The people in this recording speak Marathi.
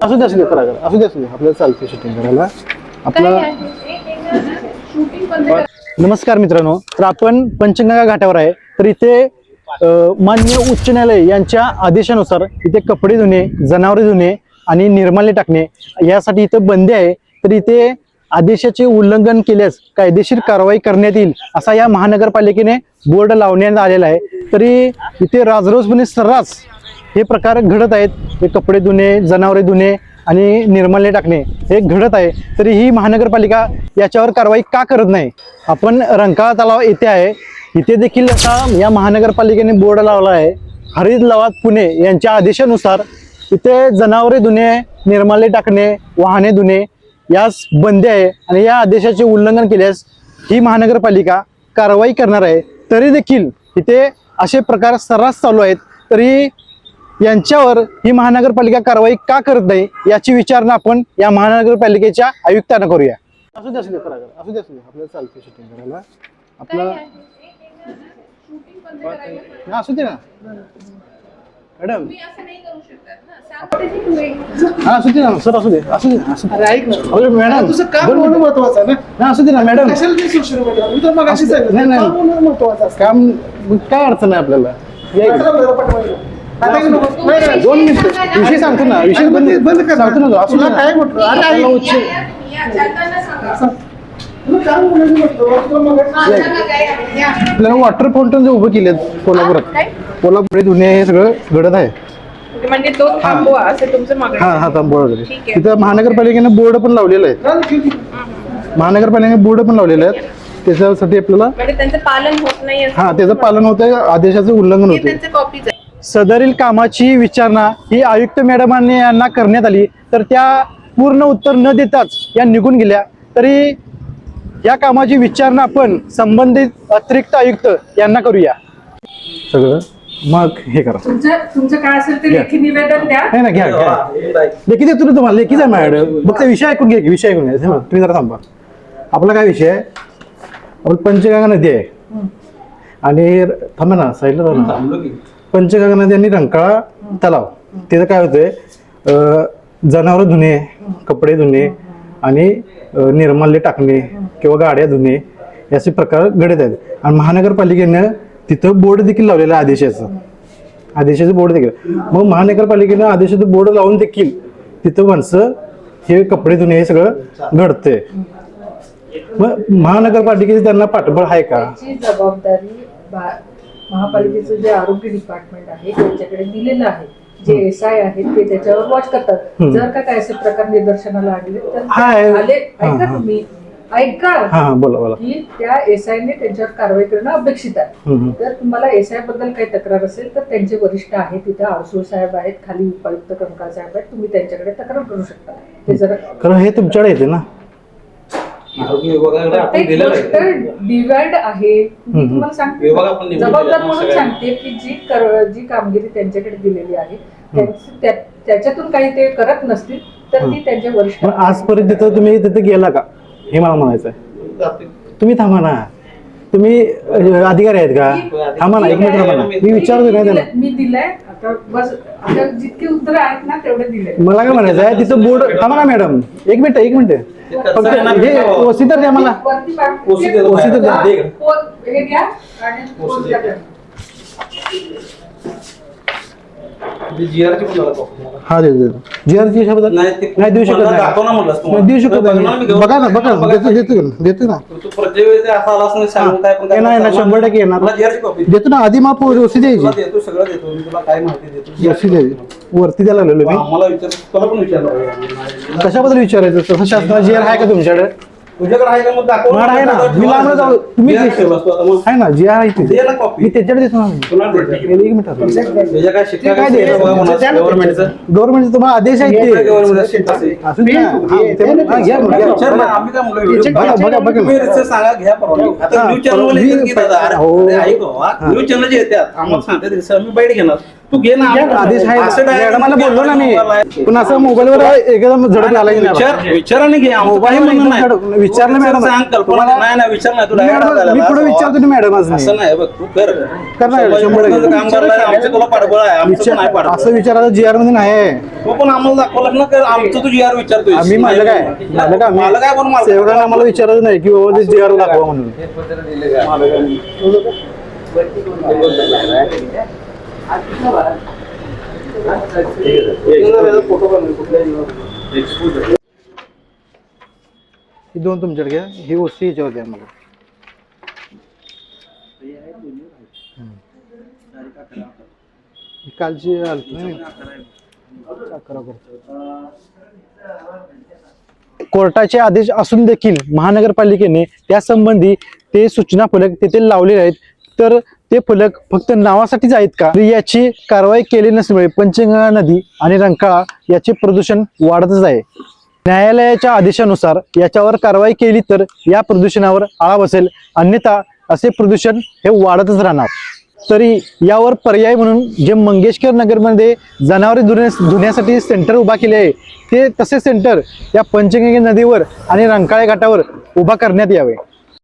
असू दे करा असू दे आपल्याला चालते शूटिंग करायला आपलं. नमस्कार मित्रांनो, तर आपण पंचगंगा घाटावर आहे. तर इथे माननीय उच्च न्यायालय यांच्या आदेशानुसार इथे कपडे धुणे, जनावरे धुणे आणि निर्माल्य टाकणे यासाठी इथे बंदी आहे. तर इथे आदेशाचे उल्लंघन केल्यास कायदेशीर कारवाई करण्यात येईल असा या महानगरपालिकेने बोर्ड लावण्यात आलेला आहे. तरी इथे राजरोसपणे सर्रास हे प्रकार घडत आहेत. हे कपडे धुणे, जनावरे धुणे आणि निर्माल्य टाकणे हे घडत आहे. तरी ही महानगरपालिका याच्यावर कारवाई का करत नाही? आपण रंकाळा तलाव येथे आहे. इथे देखील आता या महानगरपालिकेने बोर्ड लावला आहे. हरित लवाद पुणे यांच्या आदेशानुसार इथे जनावरे धुणे, निर्माल्य टाकणे, वाहने धुणे यास बंदी आहे आणि या आदेशाचे उल्लंघन केल्यास ही महानगरपालिका कारवाई करणार आहे. तरी देखील इथे असे प्रकार सर्रास चालू आहेत. तरी यांच्यावर ही महानगरपालिका कारवाई का करत नाही याची विचारणा आपण या महानगरपालिकेच्या आयुक्तांना करूया. असू दे करा असू दे आपल्याला चालते शूटिंग करायला आपलं. असू दे ना मॅडम, हा असू दे ना सर, असू दे ऐक ना मॅडम, तुझं काम होणं महत्वाचं आहे ना. असू दे ना मॅडम, काम काय अडचण आहे आपल्याला. 2 मिनिट विषय सांगतो ना, विषय बंद सांगतो ना. असू दे काय म्हटलं आपल्याला वॉटर फाउंटन जे उभं केले कोल्हापूर धुणे हे सगळं घडत आहे. म्हणजे तो थांबवा असं तुमचं मागणं आहे. हा थांबवा वगैरे. तिथं महानगरपालिकेने बोर्ड पण लावलेलं आहे. महानगरपालिकेने बोर्ड पण लावलेले आहेत. त्याच्यासाठी आपल्याला म्हणजे त्यांचं पालन होत नाही. हा त्याचं पालन होत आहे, आदेशाचं उल्लंघन होते. त्यांचं कॉपीज आहे. सदरील कामाची विचारणा ही आयुक्त मॅडमांनी यांना करण्यात आली. तर त्या पूर्ण उत्तर न देताच या निघून गेल्या. तरी या कामाची विचारणा आपण संबंधित अतिरिक्त आयुक्त यांना करूया. सगळं मग हे करा. तुमचं काय असेल ते लेखी निवेदन द्या. नाही ना, घ्या लेखी देतो ना तुम्हाला. लेखीच आहे मॅडम. मग ते विषय ऐकून घ्या, विषय ऐकून घ्या. तुम्ही जरा थांबा. आपला काय विषय आहे? आपलं पंचगंगा नदी आहे आणि थांबा ना साईडला. पंचगंगा नदी आणि रंकाळा तलाव तिथं काय होतंय, जनावर धुणे, कपडे धुणे आणि निर्माल्य टाकणे किंवा गाड्या धुणे असे प्रकार घडत आहेत. आणि महानगरपालिकेनं तिथं बोर्ड देखील लावलेलं आहे आदेशाचं बोर्ड देखील. मग महानगरपालिकेनं आदेशाचं बोर्ड लावून देखील तिथं माणसं हे कपडे धुणे हे सगळं घडतंय. मग महानगरपालिकेची त्यांना पाठबळ आहे का? जबाबदारी महापालिकेचं जे आरोग्य डिपार्टमेंट आहे त्यांच्याकडे दिलेलं आहे. जे SI आहेत ते त्याच्यावर वॉच करतात. जर का काय असे प्रकार निदर्शनाला आणले तर ऐका तुम्ही ऐका बोला की त्या SI ने त्यांच्यावर कारवाई करणं अपेक्षित आहे. तर तुम्हाला SI बद्दल काही तक्रार असेल तर त्यांचे वरिष्ठ आहेत, तिथे आरसूळ साहेब आहेत, खाली उपायुक्त कंकाळ साहेब आहेत, तुम्ही त्यांच्याकडे तक्रार करू शकता. ते जरा कारण हे तुमच्याकडे येते ना. डिवाइड आहे. तुम्हाला सांगते जबाबदार म्हणून सांगते की जी कामगिरी त्यांच्याकडे दिलेली आहे त्याच्यातून काही ते करत नसतील तर ती त्यांच्या वरिष्ठ. आजपर्यंत तुम्ही तिथे गेला का हे मला म्हणायचं आहे. तुम्ही थांबा ना, तुम्ही अधिकारी आहेत का? थांबा ना, 1 मिनिट थांबा ना, मी विचारतो काय त्याला. मी दिलंय आता बस. आता जितके उत्तर आहेत ना तेवढे दिले. मला काय म्हणायचं आहे तिथं बोर्ड. थांबा ना मॅडम, 1 मिनिट फक्त हे ओसी तर द्या मला. ओसी तर द्या. हे घ्या आणि हा जीआरची शब्द नाही देऊ शकत नाही. देऊ शकत नाही. बघा ना देतो ना. नाही 100% येणार. देतो ना. आधी मग ओसी द्यायची. ओसी द्यायची वरती द्यायला लागलेलो मी. कशाबद्दल विचारायचं? तसं शासनाला जीआर आहे का तुमच्याकडे? तुझ्याकडे आहे का? मग दाखव आहे ना. मी लांब जाऊ. तुम्ही आहे ना जीआर आहे दे ना कॉपी. मी त्याच्याकडे देतो ना. 1 मिनिट काय शिक्षा काय गव्हर्नमेंट तुम्हाला आदेश आहे ते. सांगा घ्या परवानगी. आता न्यूज चॅनल न्यूज चॅनल जे येतात आम्हाला सांगतात मी बाईट घेणार. तू घे ना आदेश आहे असं direct मॅडमाला बोललो ना मी मोबाईल पण असं मोबाईलवर एकदम झडप आला की नाही विचार आणि घे आमचं मोबाईल काही म्हणणं एकदम नाही. विचारलं तू मॅडम. सांग कल्पना नाही नाही विचार नाही तू direct मॅडम, झालेला मी पुढे असं. विचारतो ना मॅडम आज मी. असं नाही बघ तू कर करणार, शंभर टक्के. समाज काम करायला आमचं तुला पाठबळ आहे आमचं नाही पाठबळ असं विचारायचं जी आर मध्ये नाही तू पण आम्हाला दाखवलं ना कर आमचं तू जी आर विचारतोय आम्ही माझं काय मला काय पण सेवकांना आम्हाला विचारायचं नाही की बाबा ते जी आर दाखवा म्हणून ही दोन तुमच्याकडे घ्या ही वस्तू ह्याच्यावर द्या मला ही कालची आलती ना मी. कोर्टाचे आदेश असून देखील महानगरपालिकेने त्यासंबंधी ते सूचना फलक तेथे लावलेले आहेत तर ते फलक फक्त नावासाठीच आहेत का तर याची कारवाई केली नसल्यामुळे पंचगंगा नदी आणि रंकाळा याचे प्रदूषण वाढतच आहे. न्यायालयाच्या आदेशानुसार याच्यावर कारवाई केली तर या प्रदूषणावर आळा बसेल अन्यथा असे प्रदूषण हे वाढतच राहणार. तरी यावर पर्याय म्हणून जे मंगेशकर नगरमध्ये जनावरे धुण्यासाठी सेंटर उभा केले आहे ते तसे सेंटर या पंचगंगा नदीवर आणि रंकाळा घाटावर उभा करण्यात यावे.